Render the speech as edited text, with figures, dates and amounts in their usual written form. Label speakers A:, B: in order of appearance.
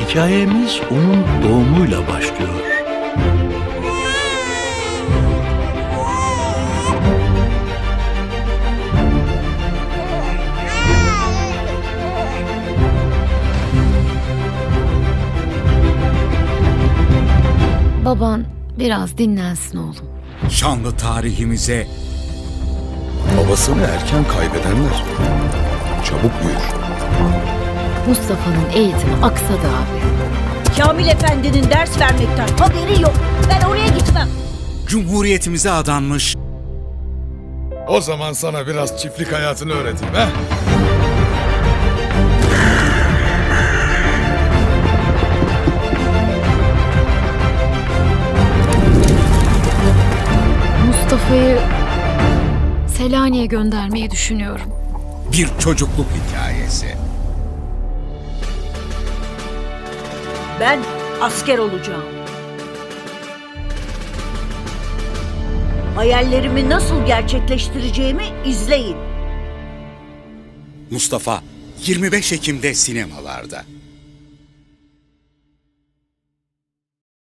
A: Hikayemiz onun doğumuyla başlıyor.
B: Baban biraz dinlensin oğlum.
C: Şanlı tarihimize
D: Babasını erken kaybedenler çabuk büyür.
B: Mustafa'nın eğitimi aksadı abi.
E: Kamil Efendi'nin ders vermekten haberi yok. Ben oraya gitmem.
C: Cumhuriyetimize adanmış
D: O zaman sana biraz çiftlik hayatını öğreteyim ha?
B: Mustafa'yı Selanik'e göndermeyi düşünüyorum.
C: bir çocukluk hikayesi.
E: Ben asker olacağım. Hayallerimi nasıl gerçekleştireceğimi izleyin.
C: Mustafa 25 Ekim'de sinemalarda.